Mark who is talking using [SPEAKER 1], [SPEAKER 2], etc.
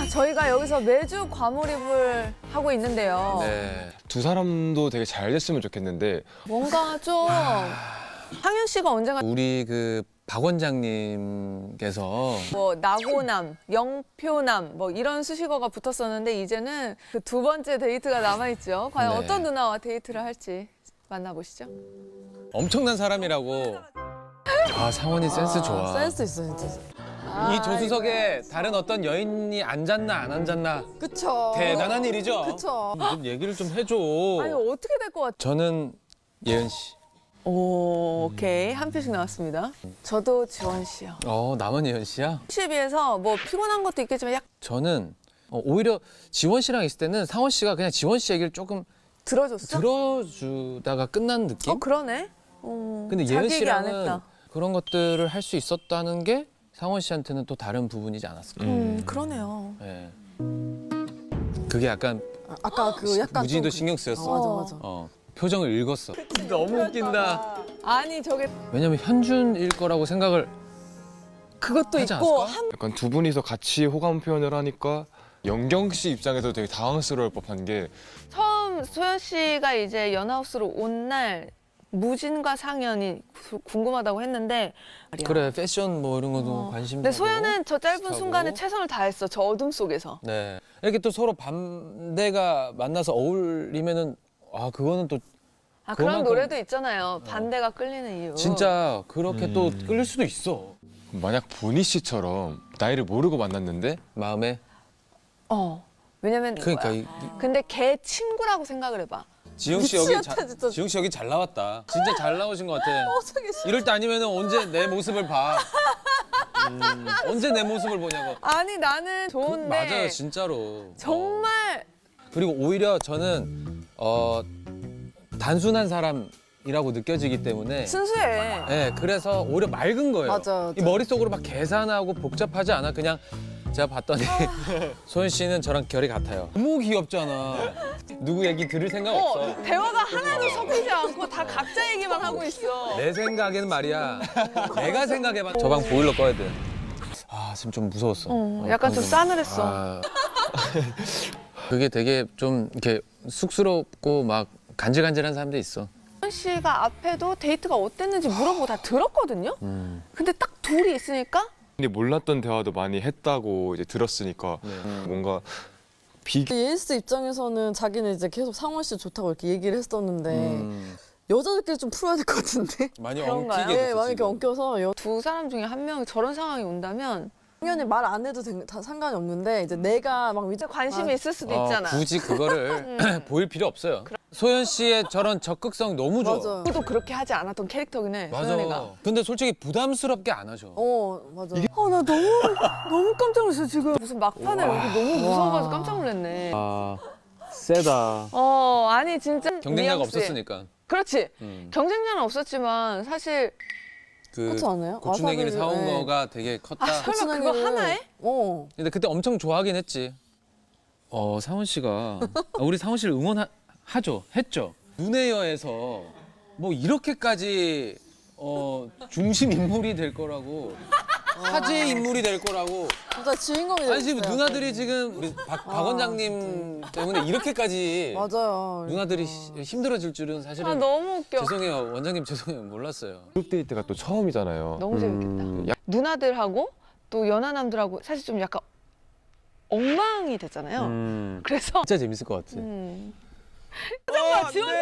[SPEAKER 1] 저희가 여기서 매주 과몰입을 하고 있는데요.
[SPEAKER 2] 네. 두 사람도 되게 잘 됐으면 좋겠는데
[SPEAKER 1] 뭔가 좀 상현 씨가 언젠가
[SPEAKER 3] 우리 그 박 원장님께서
[SPEAKER 1] 뭐 나고남, 영표남 뭐 이런 수식어가 붙었었는데 이제는 그 두 번째 데이트가 남아있죠. 과연
[SPEAKER 3] 네.
[SPEAKER 1] 어떤 누나와 데이트를 할지 만나보시죠.
[SPEAKER 3] 엄청난 사람이라고. 아, 상원이 센스 좋아.
[SPEAKER 4] 센스 있어 진짜.
[SPEAKER 3] 이 조수석에 다른 어떤 여인이 앉았나 안 앉았나
[SPEAKER 4] 그쵸.
[SPEAKER 3] 대단한 일이죠.
[SPEAKER 4] 그쵸.
[SPEAKER 3] 좀 얘기를 좀 해줘.
[SPEAKER 1] 아니 어떻게 될 것 같아?
[SPEAKER 3] 저는 예은 씨.
[SPEAKER 1] 오, 오케이. 한 표씩 나왔습니다. 저도 지원 씨요.
[SPEAKER 3] 남은 예은 씨야?
[SPEAKER 1] 씨에 비해서 뭐 피곤한 것도 있겠지만 약
[SPEAKER 3] 저는 오히려 지원 씨랑 있을 때는 상원 씨가 그냥 지원 씨 얘기를 조금
[SPEAKER 1] 들어줬어?
[SPEAKER 3] 들어주다가 끝난 느낌?
[SPEAKER 1] 그러네.
[SPEAKER 3] 근데
[SPEAKER 1] 자기
[SPEAKER 3] 예은
[SPEAKER 1] 얘기 안
[SPEAKER 3] 씨랑은
[SPEAKER 1] 했다.
[SPEAKER 3] 그런 것들을 할 수 있었다는 게 상원 씨한테는 또 다른 부분이지 않았을까.
[SPEAKER 1] 그러네요.
[SPEAKER 3] 예. 그게 약간
[SPEAKER 4] 아까 그 약간
[SPEAKER 3] 무진이도
[SPEAKER 4] 좀
[SPEAKER 3] 신경 쓰였어.
[SPEAKER 4] 맞아.
[SPEAKER 3] 표정을 읽었어. 너무 웃긴다.
[SPEAKER 1] 아니 저게
[SPEAKER 3] 왜냐면 현준일 거라고 생각을
[SPEAKER 1] 그것도
[SPEAKER 3] 하지
[SPEAKER 1] 있고
[SPEAKER 3] 않았을까?
[SPEAKER 2] 약간 두 분이서 같이 호감 표현을 하니까 영경 씨 입장에서 되게 당황스러울 법한 게
[SPEAKER 1] 처음 소연 씨가 이제 연하우스로 온 날 무진과 상현이 궁금하다고 했는데
[SPEAKER 3] 그래 패션 뭐 이런 것도 관심.
[SPEAKER 1] 근데 소연은 저 짧은
[SPEAKER 3] 비슷하고.
[SPEAKER 1] 순간에 최선을 다했어. 저 어둠 속에서.
[SPEAKER 3] 네. 이렇게 또 서로 반대가 만나서 어울리면은 그거는 또
[SPEAKER 1] 그런
[SPEAKER 3] 그만큼-
[SPEAKER 1] 노래도 있잖아요. 반대가 끌리는 이유.
[SPEAKER 3] 진짜 그렇게 또 끌릴 수도 있어.
[SPEAKER 2] 만약 보니 씨처럼 나이를 모르고 만났는데
[SPEAKER 3] 마음에.
[SPEAKER 1] 왜냐면
[SPEAKER 3] 그러니까
[SPEAKER 1] 근데 걔 친구라고 생각을 해봐.
[SPEAKER 3] 지웅 씨 여기
[SPEAKER 4] 미치겠다, 진짜.
[SPEAKER 3] 지웅 씨 여기 잘 나왔다. 진짜 잘 나오신 것 같아. 이럴 때 아니면은 언제 내 모습을 봐. 언제 내 모습을 보냐고.
[SPEAKER 1] 아니 나는 좋은데
[SPEAKER 3] 맞아요, 진짜로.
[SPEAKER 1] 정말
[SPEAKER 3] 그리고 오히려 저는 단순한 사람이라고 느껴지기 때문에.
[SPEAKER 1] 순수해.
[SPEAKER 3] 네, 그래서 오히려 맑은 거예요.
[SPEAKER 4] 맞아.
[SPEAKER 3] 이 머릿속으로 막 계산하고 복잡하지 않아. 그냥 제가 봤더니 소연 씨는 저랑 결이 같아요. 너무 귀엽잖아. 누구 얘기 들을 생각 없어.
[SPEAKER 1] 대화가 하나도 섞이지 않고 다 각자 얘기만 하고 있어.
[SPEAKER 3] 내 생각에는 말이야. 내가 생각해봐. 저 방 보일러 꺼야 돼. 지금 좀 무서웠어.
[SPEAKER 1] 약간 좀 싸늘했어.
[SPEAKER 3] 그게 되게 좀 이렇게 쑥스럽고 막 간질간질한 사람도 있어.
[SPEAKER 1] 소연 씨가 앞에도 데이트가 어땠는지 물어보고 다 들었거든요. 근데 딱 둘이 있으니까
[SPEAKER 2] 근데 몰랐던 대화도 많이 했다고 이제 들었으니까 뭔가
[SPEAKER 4] 예스 입장에서는 자기는 이제 계속 상원 씨 좋다고 이렇게 얘기를 했었는데 여자들끼리 좀 풀어야 될 것 같은데.
[SPEAKER 3] 많이
[SPEAKER 1] 그런가요?
[SPEAKER 3] 엉키게
[SPEAKER 4] 네,
[SPEAKER 3] 됐어.
[SPEAKER 4] 많이 이렇게
[SPEAKER 3] 지금.
[SPEAKER 4] 엉켜서
[SPEAKER 1] 두 사람 중에 한 명이 저런 상황이 온다면
[SPEAKER 4] 당연히 말 안 해도 다 상관이 없는데 이제 내가 막
[SPEAKER 1] 진짜 관심이 있을 수도 있잖아.
[SPEAKER 3] 굳이 그거를 보일 필요 없어요. 소연 씨의 저런 적극성 너무 좋아.
[SPEAKER 4] 맞아.
[SPEAKER 1] 저도 그렇게 하지 않았던 캐릭터긴 해. 소연이가.
[SPEAKER 3] 근데 솔직히 부담스럽게 안 하죠.
[SPEAKER 4] 맞아.
[SPEAKER 1] 나 너무 깜짝 놀랐어 지금. 무슨 막판에 여기 너무 무서워가지고 깜짝 놀랐네.
[SPEAKER 3] 세다.
[SPEAKER 1] 아니 진짜
[SPEAKER 3] 경쟁자가
[SPEAKER 1] 뉘앙스.
[SPEAKER 3] 없었으니까.
[SPEAKER 1] 그렇지. 경쟁자는 없었지만 사실
[SPEAKER 4] 그렇지 않아요?
[SPEAKER 3] 고추냉이를
[SPEAKER 4] 와사비를,
[SPEAKER 3] 사온
[SPEAKER 4] 네.
[SPEAKER 3] 거가 되게 컸다.
[SPEAKER 1] 설마 그거 하나에?
[SPEAKER 3] 근데 그때 엄청 좋아하긴 했지. 상원 씨가 우리 상원 씨를 응원하죠. 했죠. 눈의 여에서 뭐 이렇게까지 중심 인물이 될 거라고 화제 인물이 될 거라고.
[SPEAKER 4] 진짜 주인공이
[SPEAKER 3] 아니 지금
[SPEAKER 4] 됐어요.
[SPEAKER 3] 누나들이 지금 우리 박 원장님 때문에 이렇게까지
[SPEAKER 4] 맞아요.
[SPEAKER 3] 누나들이 힘들어질 줄은 사실은
[SPEAKER 1] 너무 웃겨.
[SPEAKER 3] 죄송해요. 원장님 죄송해요. 몰랐어요.
[SPEAKER 2] 그룹 데이트가 또 처음이잖아요.
[SPEAKER 1] 너무 재밌겠다. 누나들하고 또 연하남들하고 사실 좀 약간 엉망이 됐잖아요. 그래서
[SPEAKER 3] 진짜 재밌을 것 같아.
[SPEAKER 1] 잠깐만 지원